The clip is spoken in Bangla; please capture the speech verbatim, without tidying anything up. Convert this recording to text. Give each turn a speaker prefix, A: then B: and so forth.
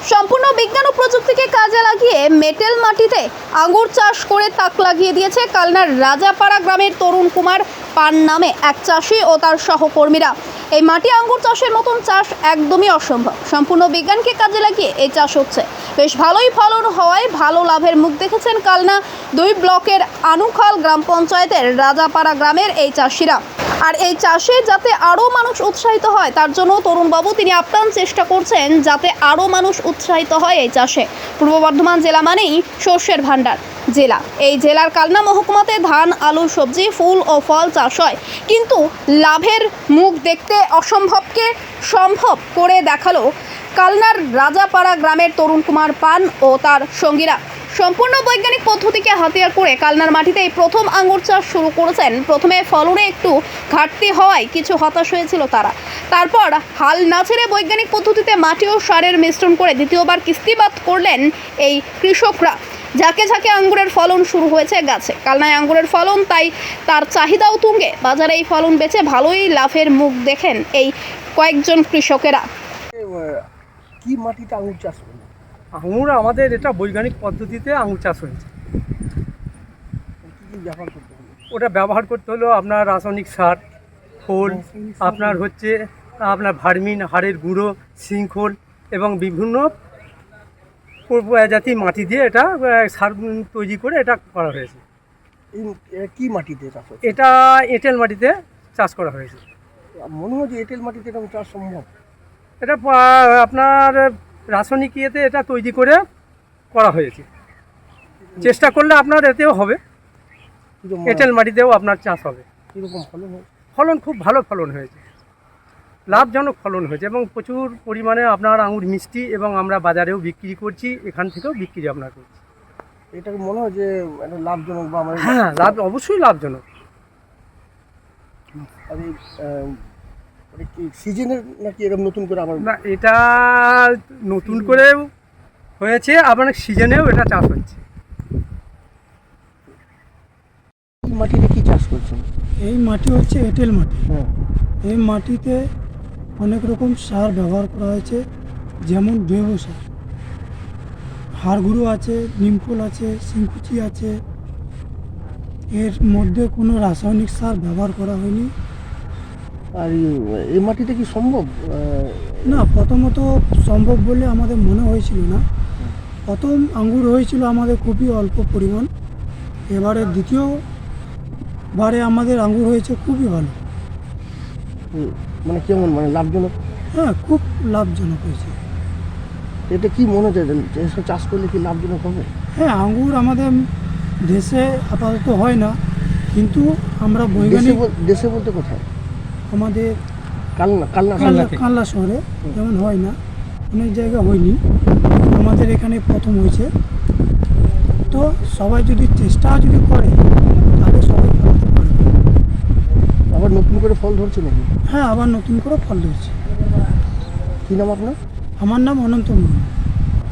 A: সম্পূর্ণ বিজ্ঞান ও প্রযুক্তিকে কাজে লাগিয়ে মেটেল মাটিতে আঙ্গুর চাষ করে তাক লাগিয়ে দিয়েছে কালনার রাজাপাড়া গ্রামের তরুণ কুমার পান নামে এক চাষি ও তার সহকর্মীরা। এই মাটি আঙ্গুর চাষের মতন চাষ একদমই অসম্ভব। সম্পূর্ণ বিজ্ঞানকে কাজে লাগিয়ে এই চাষ হচ্ছে। বেশ ভালোই ফলন হওয়ায় ভালো লাভের মুখ দেখেছেন কালনা দুই ব্লকের আনুখাল গ্রাম পঞ্চায়েতের রাজাপাড়া গ্রামের এই চাষিরা। আর এই চাষে যাতে আরও মানুষ উৎসাহিত হয় তার জন্য তরুণবাবু তিনি আপ্রাণ চেষ্টা করছেন যাতে আরও মানুষ উৎসাহিত হয় এই চাষে। পূর্ব বর্ধমান জেলা মানেই শস্যের ভাণ্ডার জেলা। এই জেলার কালনা মহকুমাতে ধান, আলু, সবজি, ফুল ও ফল চাষ হয়, কিন্তু লাভের মুখ দেখতে অসম্ভবকে সম্ভব করে দেখালো কালনার রাজাপাড়া গ্রামের তরুণ কুমার পান ও তার সঙ্গীরা। সম্পূর্ণ বৈজ্ঞানিক পদ্ধতিকে হাতিয়ার করে কালনার মাটিতে এই প্রথম আঙ্গুর চাষ শুরু করেছেন। প্রথমে ফলনে একটু ঘাটতি হওয়ায় কিছু হতাশ হয়েছিল তারা। তারপর হাল না ছেড়ে বৈজ্ঞানিক পদ্ধতিতে মাটি ও সারের মিশ্রণ করে দ্বিতীয়বার কিস্তিবাদ করলেন এই কৃষকরা। ঝাঁকে ঝাঁকে আঙ্গুরের ফলন শুরু হয়েছে গাছে। কালনায় আঙ্গুরের ফলন, তাই তার চাহিদাও তুঙ্গে। বাজারে এই ফলন বেচে ভালোই লাভের মুখ দেখেন এই কয়েকজন কৃষকেরা।
B: কি মাটিতে আঙুর চাষ করবে?
C: আঙুর আমাদের এটা বৈজ্ঞানিক পদ্ধতিতে আঙুর চাষ হয়েছে।
B: কী কী ব্যবহার করতে হবে?
C: ওটা ব্যবহার করতে হলো আপনার রাসায়নিক সার, খোল, আপনার হচ্ছে আপনার ভার্মিন, হাড়ের গুঁড়ো, শৃঙ্খল এবং বিভিন্ন জাতীয় মাটি দিয়ে এটা সার তৈরি করে এটা করা হয়েছে।
B: এই কি মাটিতে চাষ হচ্ছে?
C: এটা এঁটেল মাটিতে চাষ করা হয়েছে।
B: মনে হয় যে এঁটেল মাটিতে এরকম চাষ সম্ভব।
C: এটা আপনার রাসায়নিক ইয়েতে এটা তৈরি করে করা হয়েছে। চেষ্টা করলে আপনার এতেও হবে, এঁটেল মাটিতেও আপনার চাষ হবে।
B: কীরকম ফলন হয়?
C: ফলন খুব ভালো ফলন হয়েছে, লাভজনক ফলন হয়েছে এবং প্রচুর পরিমাণে আপনার আঙুর মিষ্টি এবং আমরা বাজারেও বিক্রি করছি, এখান থেকেও বিক্রি আপনার করছি।
B: এটা মনে হয় যে একটা লাভজনক বা আমাদের
C: হ্যাঁ, লাভ অবশ্যই লাভজনক।
B: আর এই এটা কি সিজনের নাকি এরকম নতুন করে আবার?
C: না, এটা নতুন করে হয়েছে, আবার সিজনেও এটা চাষ হচ্ছে।
B: এই মাটিতে কি চাষ করছেন?
D: এই মাটি হচ্ছে এঁটেল মাটি।
B: হ্যাঁ,
D: এই মাটিতে অনেক রকম সার ব্যবহার করা হয়েছে, যেমন জৈব সার, হাড় গুঁড়ো আছে, নিমখোল আছে, শিংকুচি আছে। এর মধ্যে কোনো রাসায়নিক সার ব্যবহার করা হয়নি।
B: আর এই মাটিতে কি সম্ভব?
D: না, প্রথমত সম্ভব বলে আমাদের মনে হয়েছিল না। প্রথম আঙ্গুর হয়েছিল আমাদের খুবই অল্প পরিমাণ। এবারে দ্বিতীয় বারে আমাদের আঙ্গুর হয়েছে খুবই ভালো।
B: মানে কেমন, মানে লাভজনক?
D: হ্যাঁ, খুব লাভজনক হয়েছে।
B: এটা কি মনে হয় এসব চাষ করলে কি লাভজনক হবে?
D: হ্যাঁ, আঙ্গুর আমাদের দেশে আপাতত হয় না, কিন্তু আমরা বৈজ্ঞানিক
B: দেশে বলতে কোথায়?
D: আমাদের
B: কালনা কালনা
D: কালনা কালনা শহরে যেমন হয় না, অনেক জায়গা হয়নি, আমাদের এখানে প্রথম হয়েছে। তো সবাই যদি চেষ্টা যদি করে তাহলে সবাই ফলাতে পারবে।
B: আবার নতুন করে ফল ধরছে নাকি?
D: হ্যাঁ, আবার নতুন করে ফল ধরছে।
B: কী নাম আপনার?
D: আমার নাম অনন্ত মুর্মু।